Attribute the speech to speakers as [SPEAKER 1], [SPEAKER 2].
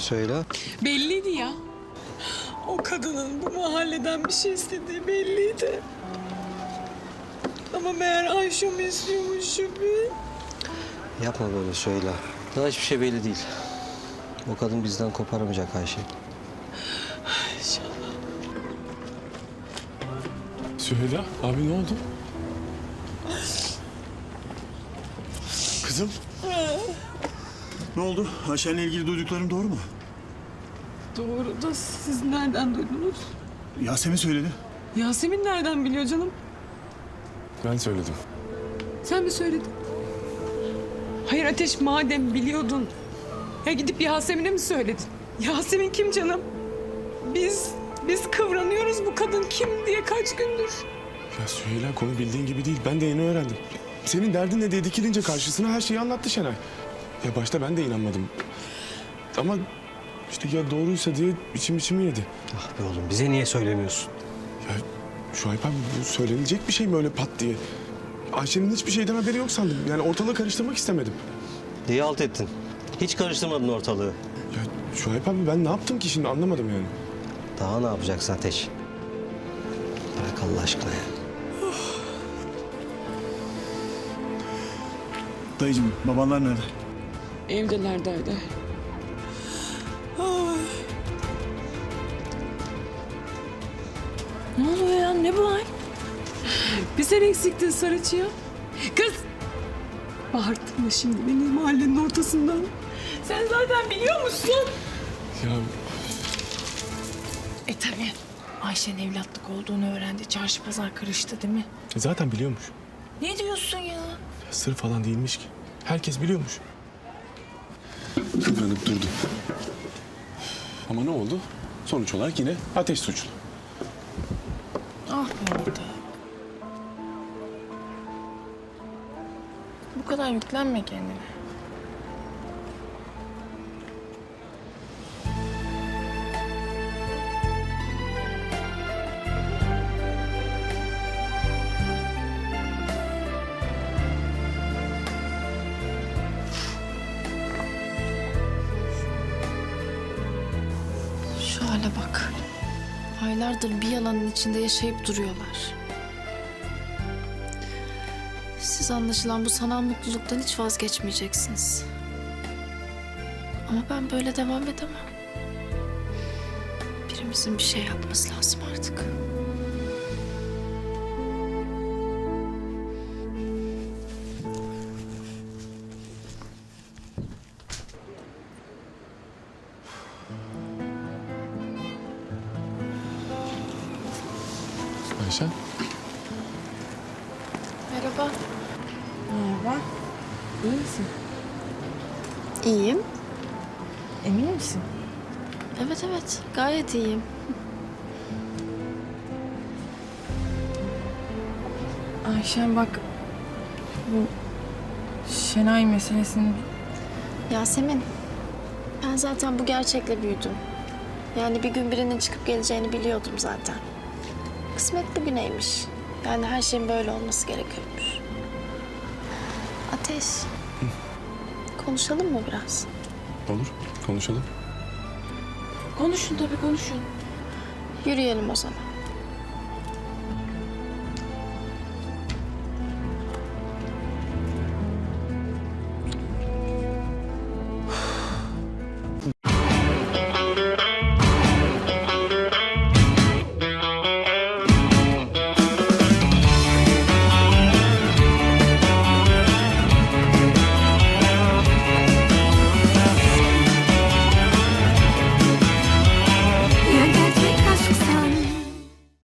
[SPEAKER 1] Söyle.
[SPEAKER 2] Belliydi ya. O kadının bu mahalleden bir şey istediği belliydi. Ama meğer Ayşe'mi istiyormuş Şüphi.
[SPEAKER 1] Yapma böyle söyle. Daha hiçbir şey belli değil. O kadın bizden koparamayacak Ayşe.
[SPEAKER 2] İnşallah.
[SPEAKER 3] Süheyla, abi ne oldu?
[SPEAKER 4] Kızım. Ne oldu? Ayşen'le ilgili duyduklarım doğru mu?
[SPEAKER 2] Doğru da siz nereden duydunuz?
[SPEAKER 4] Yasemin söyledi.
[SPEAKER 2] Yasemin nereden biliyor canım?
[SPEAKER 3] Ben söyledim.
[SPEAKER 2] Sen mi söyledin? Hayır Ateş, madem biliyordun, ya gidip Yasemin'e mi söyledin? Yasemin kim canım? Biz kıvranıyoruz, bu kadın kim diye kaç gündür.
[SPEAKER 3] Ya Süheyla, konu bildiğin gibi değil. Ben de yeni öğrendim. Senin derdin ne diye dikilince karşısına her şeyi anlattı Şenay. Ya başta ben de inanmadım. Ama işte ya doğruysa diye içimi yedi.
[SPEAKER 1] Ah be oğlum, bize niye söylemiyorsun?
[SPEAKER 3] Ya Şuayb abi, bu söylenilecek bir şey mi öyle pat diye? Ayşe'nin hiçbir şeyden haberi yok sandım. Yani ortalığı karıştırmak istemedim.
[SPEAKER 1] Diye alt ettin. Hiç karıştırmadın ortalığı.
[SPEAKER 3] Ya Şuayb abi, ben ne yaptım ki şimdi, anlamadım yani.
[SPEAKER 1] Daha ne yapacaksın Ateş? Bırak Allah aşkına ya.
[SPEAKER 4] Dayıcığım, babanlar nerede?
[SPEAKER 2] Evdeler derdi. Ay. Ne oluyor ya? Ne bu hal? Bir sen eksiktin Sarıçı'ya. Kız! Bağırtma şimdi beni mahallenin ortasından. Sen zaten biliyor musun?
[SPEAKER 3] Ya
[SPEAKER 5] Tabii. Ayşe'nin evlatlık olduğunu öğrendi. Çarşı pazar karıştı değil mi?
[SPEAKER 3] zaten biliyormuş.
[SPEAKER 5] Ne diyorsun ya?
[SPEAKER 3] Ya sır falan değilmiş ki. Herkes biliyormuş. Kıvranıp durdu. Ama ne oldu? Sonuç olarak yine Ateş suçlu.
[SPEAKER 5] Ah be orada. Bu kadar yüklenme kendine. Şu hale bak. Aylardır bir yalanın içinde yaşayıp duruyorlar. Siz anlaşılan bu sanal mutluluktan hiç vazgeçmeyeceksiniz. Ama ben böyle devam edemem. Birimizin bir şey yapması lazım artık.
[SPEAKER 3] Ayşen,
[SPEAKER 5] Merhaba.
[SPEAKER 6] Merhaba. İyi misin?
[SPEAKER 5] İyiyim.
[SPEAKER 6] Emin misin?
[SPEAKER 5] Evet, gayet iyiyim.
[SPEAKER 6] Ayşen bak, bu Şenay meselesini...
[SPEAKER 5] Yasemin, ben zaten bu gerçekle büyüdüm. Yani bir gün birinin çıkıp geleceğini biliyordum zaten. Kısmet bugüneymiş. Yani her şeyin böyle olması gerekiyormuş. Ateş, konuşalım mı biraz?
[SPEAKER 3] olur. Konuşalım.
[SPEAKER 6] Konuşun tabii konuşun.
[SPEAKER 5] Yürüyelim o zaman.